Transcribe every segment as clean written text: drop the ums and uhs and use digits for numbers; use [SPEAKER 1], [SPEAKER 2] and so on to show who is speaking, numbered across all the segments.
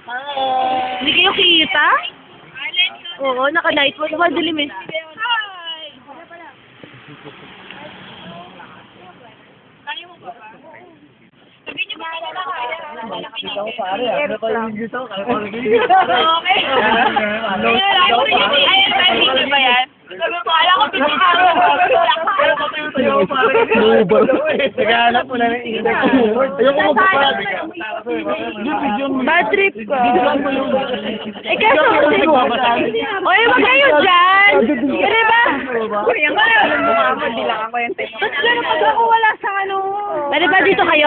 [SPEAKER 1] Hindi kayo kita? Oo, naka-night mode. Madilim eh.
[SPEAKER 2] Ikaw pare, ano pa yung gusto?
[SPEAKER 1] Okay. Ayun ba yan? Alam ko pinakaro.
[SPEAKER 2] Naghahanap mo na ng index. Ayoko mo pa pala.
[SPEAKER 1] Bad trip ko. Eh kaso kasi. Oy, wag kayo dyan. Kaya ba? Kuya nga. Hindi lang ako yung type. Ba't gano'n pag ako wala sa ano? Pwede ba dito kayo?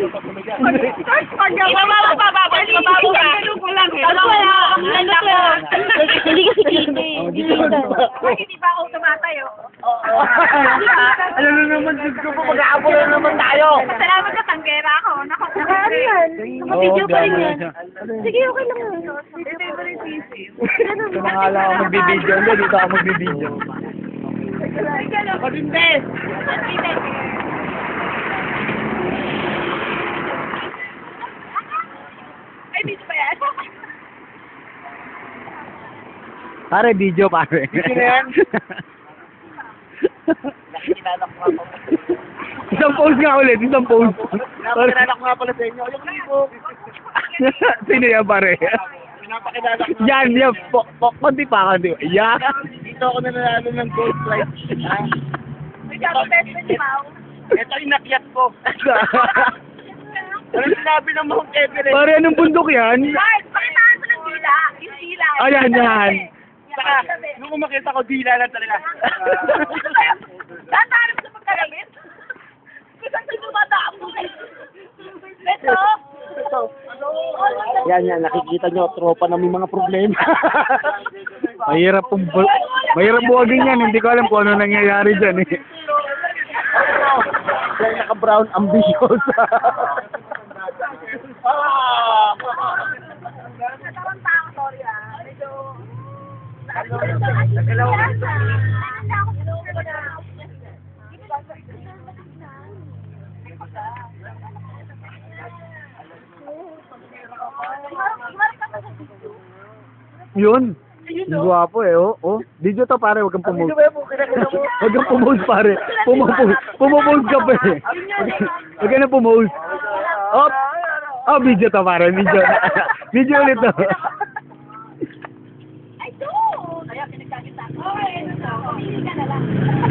[SPEAKER 1] Mababaw ka. Hindi kasi kita eh.
[SPEAKER 3] Hindi ba ako tumatayo?
[SPEAKER 2] Alam mo naman, Diyos ko po, mag-aapol na naman tayo.
[SPEAKER 3] Salamat ka, tanggera ako.
[SPEAKER 1] Ano yan? Naka-video pa rin yan. Sige, okay lang yan.
[SPEAKER 2] Ito na nga lang ako magbibideo. Hindi, dito ako magbibideo.
[SPEAKER 3] Pag-invest! Ay, dito ba yan?
[SPEAKER 2] Pare, video pare. Video na yan? Isang pose nga ulit, isang pose. Pinapakilala ko nga pala sa inyo. Yung libo. Sino yan pare? Pinapakilala ko. Yan, yan. Konti pa, konti. Yan. Dito ako nanalo ng gold flight.
[SPEAKER 3] May best friend ni Mau.
[SPEAKER 2] Ito yung nakyat ko. Ano sinabi ng Mount Everest? Pare, anong bundok yan?
[SPEAKER 3] Guys, pakitaan mo ng dila. Yung dila.
[SPEAKER 2] Ayan, yan. Saka, nung makita ko, dila lang talaga.
[SPEAKER 3] Tatahan mo sa pagkalabit. Kusang sa dumadaan mo. Ito.
[SPEAKER 2] Yan, nakikita nyo, tropa na may mga problema. mahirap buwagin yan, hindi ko alam kung ano nangyayari dyan eh. Yan, naka-brown, ambitious.
[SPEAKER 3] Nagkaroon pa ako, sorry ah. Medyo...
[SPEAKER 2] Yun. Yung guwapo eh, oh. Video to pare, wag kang pumose. Wag kang pumose pare. Pumose ka pa eh. Wag ka na pumose. Oh, video to pare, video. Video ulit to.
[SPEAKER 3] Ay, doon! Kaya pinagkakita ko. Pili ka na lang.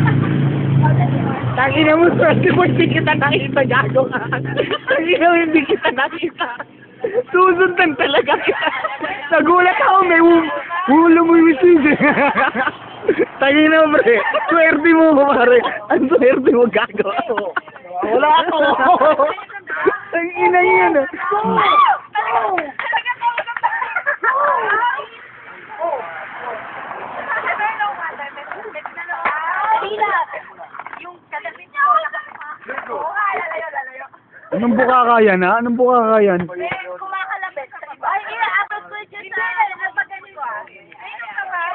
[SPEAKER 2] Tangina mo, swerte mo, hindi kita nakita, gago ka. Tangina mo, hindi kita nakita. Susundan talaga kita. Nagulat ako, may ulo mo yung sis. Tangina mo, pre. Swerte mo, pare. Ang swerte mo, gago. Wala ako. Tangina yun.
[SPEAKER 3] Yung kalabit niya, lalayo.
[SPEAKER 2] Anong buka ka yan, ha? Anong buka ka yan?
[SPEAKER 3] Kumakalabit sa iba. Ay, inaabot ko dyan sa... Nagpagalit ko ah. Ayun ang kamay.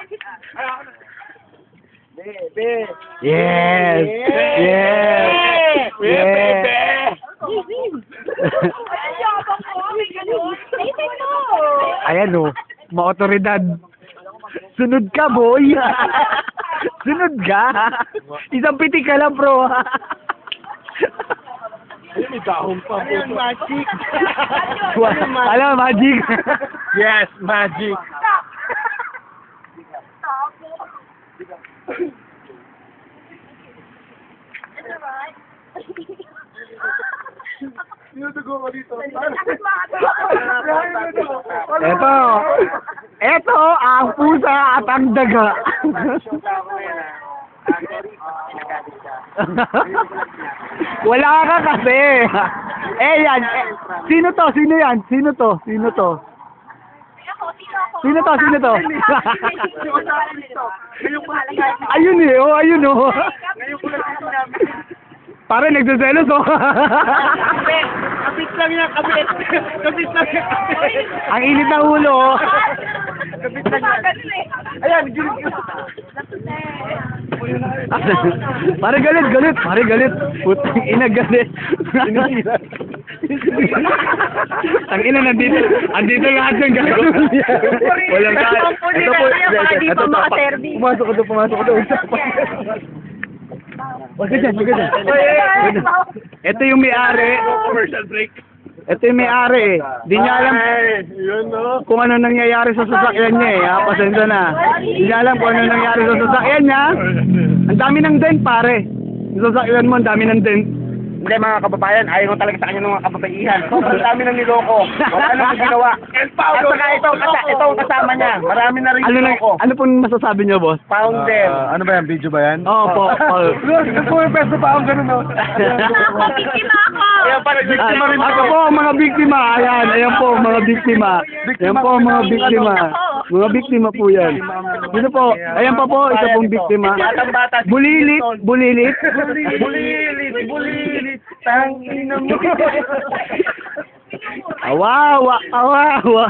[SPEAKER 2] Yes! Yes! Yes!
[SPEAKER 3] Ay, yabang ko. May ganun. Naisip mo.
[SPEAKER 2] Ayan o, ma-otoridad. Sunod ka, boy! Sunod ka! Isang pitik ka lang, bro! Ay, may dahon pa. Ano yung magic? Alam mo, magic? Yes, magic. Ito ang pusa at ang daga. Wala ka kasi. Yan. Sino to? Sino yan? Sino to? Sino to? Sino to? Sino to? Ayun eh. Oh, ayun oh. Pare, nagsaselos oh. Kapit lang yan, kapit. Kapit lang yan, kapit. Ang init ng ulo oh. Kapit lang yan. Ayan, gilit. Pare galit. Pare galit. Putang ina galit. Tangina, andito lahat ng gago. Walang ka. Ito po, ito pa. Pumasok ko doon. Wag ka dyan. Ito yung may-ari. Commercial break. Ito yung may-ari eh. Di niya alam kung ano nangyayari sa sasakyan niya eh. Pasensya na. Di niya alam kung ano nangyayari sa sasakyan niya. Ang dami ng dent pare. Yung sasakyan mo, ang dami ng dent.
[SPEAKER 4] Hindi mga kababayan, ayaw talaga sa kanya ng mga kababaihan. Sobrang dami ng niloko. Wala nang ginawa. At saka ito ang kasama niya. Marami na rin niloko.
[SPEAKER 2] Ano pong masasabi niyo, boss?
[SPEAKER 4] Founder.
[SPEAKER 5] Ano ba yan? Video ba yan?
[SPEAKER 2] Oo po.
[SPEAKER 5] Pwesto pa akong ganun, no?
[SPEAKER 3] Ako, biktima ako.
[SPEAKER 4] Ayan pa rin, biktima rin
[SPEAKER 2] Ako po, mga biktima. Ayan po, mga biktima. Ayan po, mga biktima. Mga biktima po yan. Dito po, ayan pa po, isa pong biktima.
[SPEAKER 4] Batang-bata.
[SPEAKER 2] Bulilit.
[SPEAKER 4] Bulilit. Tangina mo.
[SPEAKER 2] Awawa.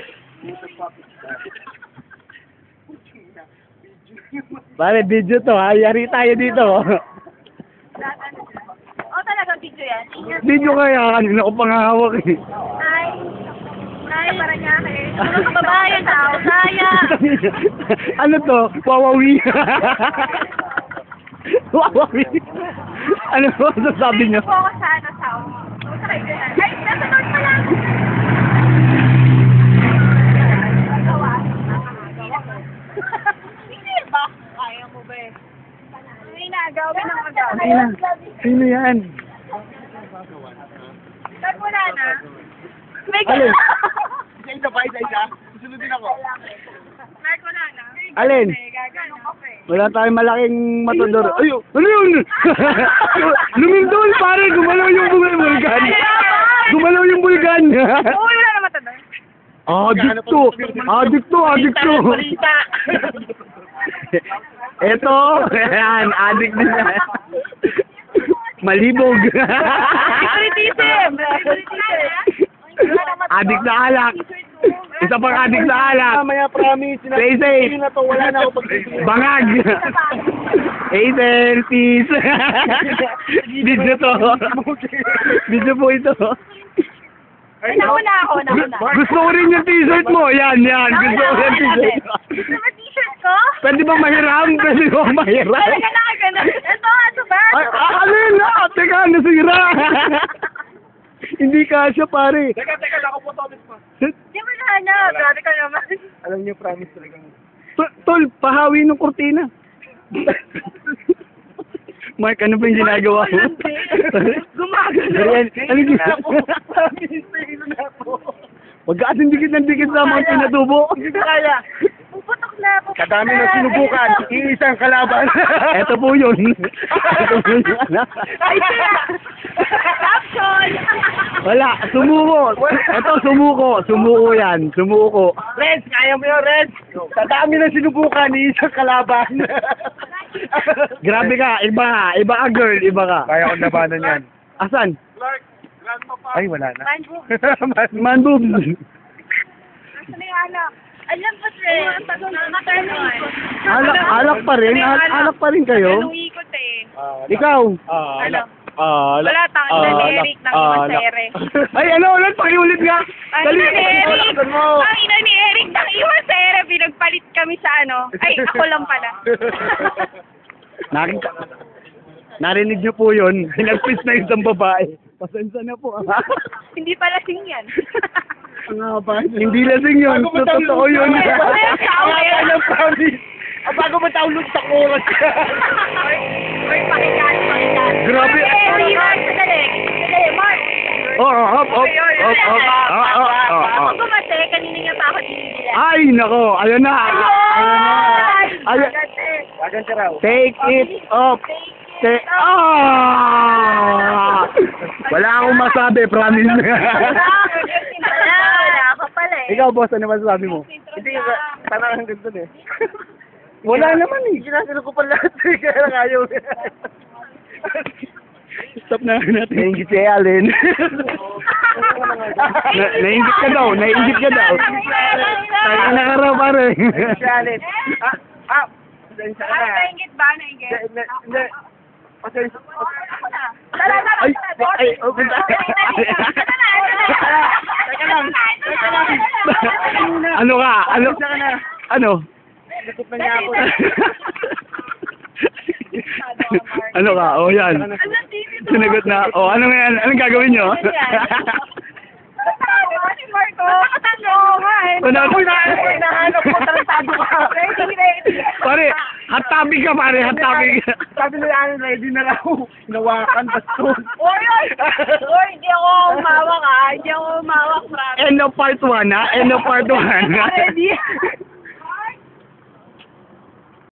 [SPEAKER 2] Pare, video to ha. Yari tayo dito.
[SPEAKER 3] Talaga video yan.
[SPEAKER 2] Video kaya, kanina ko pangahawak eh.
[SPEAKER 3] Ay, para niya mga kababayan, tao, saya.
[SPEAKER 2] Ano to? Wawawi. Wawawi. Ano po sasabi niyo?
[SPEAKER 3] Po ako sa kaibigan. Ay, nasa north pa lang. Hindi ba? Kaya mo ba eh? Ay, nagawin ang magawin.
[SPEAKER 2] Sino yan?
[SPEAKER 3] Saan mo na? May
[SPEAKER 2] Alin?
[SPEAKER 4] Isa. Susunodin ako.
[SPEAKER 3] Mark, wala na.
[SPEAKER 2] Alin?
[SPEAKER 3] Gagano ka pa eh.
[SPEAKER 2] Wala tayong malaking matundor. Ayo, ano yun? Lumindol pare, gumalaw yung bulgan. Gumalaw yung bulgan.
[SPEAKER 3] Oo, wala na matanda.
[SPEAKER 2] Adikto. Eto, yan, addict din yan. Malibog.
[SPEAKER 3] Favoritism!
[SPEAKER 2] Addict na alak. Isa pang addict na alak.
[SPEAKER 4] Mamaya promise.
[SPEAKER 2] Stay safe.
[SPEAKER 4] Na to, wala na ako pag-ibig.
[SPEAKER 2] Bangag. Hazel, peace. Video to. Video po ito.
[SPEAKER 3] Nauna ako.
[SPEAKER 2] Gusto ko rin yung t-shirt mo. Yan. Gusto ko yung t-shirt mo.
[SPEAKER 3] Gusto mo t-shirt ko?
[SPEAKER 2] Pwede bang mahiram?
[SPEAKER 3] Talaga na. Ito ba?
[SPEAKER 2] Ay, alin na? Teka, nasira. Hindi kasya, pare.
[SPEAKER 4] Teka, ako po to.
[SPEAKER 3] Hindi mo nahanap. Grabe ka naman.
[SPEAKER 4] Alam niyo, promise talaga.
[SPEAKER 2] Tol, pahawi ng kurtina. Mark, ano ba yung ginagawa mo?
[SPEAKER 3] Gumagano.
[SPEAKER 2] Ayan, ano ginagawa? Wag ka ating dikit sa mga pinatubo.
[SPEAKER 4] Hindi kaya.
[SPEAKER 3] Puputok na.
[SPEAKER 4] Kadami na sinubukan. Iisang kalaban.
[SPEAKER 2] Eto po yun.
[SPEAKER 3] Ay, siya. Caption.
[SPEAKER 2] Wala, sumuko. Eto, sumuko yan. Sumuko.
[SPEAKER 4] Reds, kaya mo yun, Reds. Kadami na sinubukan. Iisang kalaban.
[SPEAKER 2] Grabe ka, iba ka girl, iba ka.
[SPEAKER 4] Kaya ko labanan yan.
[SPEAKER 2] Asan?
[SPEAKER 4] Ay, wala na.
[SPEAKER 2] Man boob.
[SPEAKER 3] Nasaan na yung anak? Alam po, sir.
[SPEAKER 2] Alak pa rin? Alak pa rin kayo?
[SPEAKER 3] Anong ikot eh?
[SPEAKER 2] Ikaw?
[SPEAKER 3] Ano? Wala, tangin na ni Eric ng Iwasere.
[SPEAKER 2] Ay, ano ulit? Pakiulit nga.
[SPEAKER 3] Ang ina ni Eric! Ang ina ni Eric ng Iwasere. Pinagpalit kami sa ano. Ay, ako lang pala.
[SPEAKER 2] Narinig niyo po yun. Pinagpis na isang babae. Pasensya na po.
[SPEAKER 3] Hindi pala sing yan.
[SPEAKER 2] Hindi lasing yun. Totoo yun.
[SPEAKER 4] Alam, promise. Bago mo taulog sa oras.
[SPEAKER 3] Oy, pakikaan.
[SPEAKER 2] Grabe.
[SPEAKER 3] Mark, sadali. Mark.
[SPEAKER 2] Hop.
[SPEAKER 3] Ako gumate, kanina nga pa ako dinidila.
[SPEAKER 2] Ay, nako. Ayun na. Ayun.
[SPEAKER 4] Wagan ka raw.
[SPEAKER 2] Take it off. Wala akong masabi, promise.
[SPEAKER 3] Wala ka pala eh.
[SPEAKER 2] Ikaw, boss, ano masasabi mo?
[SPEAKER 4] Hindi, parang hanggang dun eh.
[SPEAKER 2] Wala naman eh.
[SPEAKER 4] Ginasilo ko pa lahat eh, kaya lang ayaw.
[SPEAKER 2] Stop na natin. Nainggit si Allen. Nainggit ka daw. Tayo na ka raw, pare.
[SPEAKER 4] Shalit. Pasensya ka na.
[SPEAKER 3] Nainggit ba? Nainggit?
[SPEAKER 4] Hindi.
[SPEAKER 2] Open tayo.
[SPEAKER 4] Teka lang.
[SPEAKER 2] Ano ka? Ano? Ano?
[SPEAKER 4] Likot na niya ako.
[SPEAKER 2] Ano ka? Oh, yan. Sinagot na. Oh, ano nga yan? Anong gagawin nyo?
[SPEAKER 3] Si Marco. Nakatanong nga eh.
[SPEAKER 4] Hinahanap ko, tarantado ka.
[SPEAKER 3] Ready.
[SPEAKER 2] Pare, hot topic ka pare, hot topic.
[SPEAKER 4] Sabi nila, ready na raw. Hinawakan, bastos.
[SPEAKER 3] Oy, hindi ako umawak ah. Hindi ako umawak, promise.
[SPEAKER 2] End of part 1 ha? End of part 1.
[SPEAKER 3] Ready.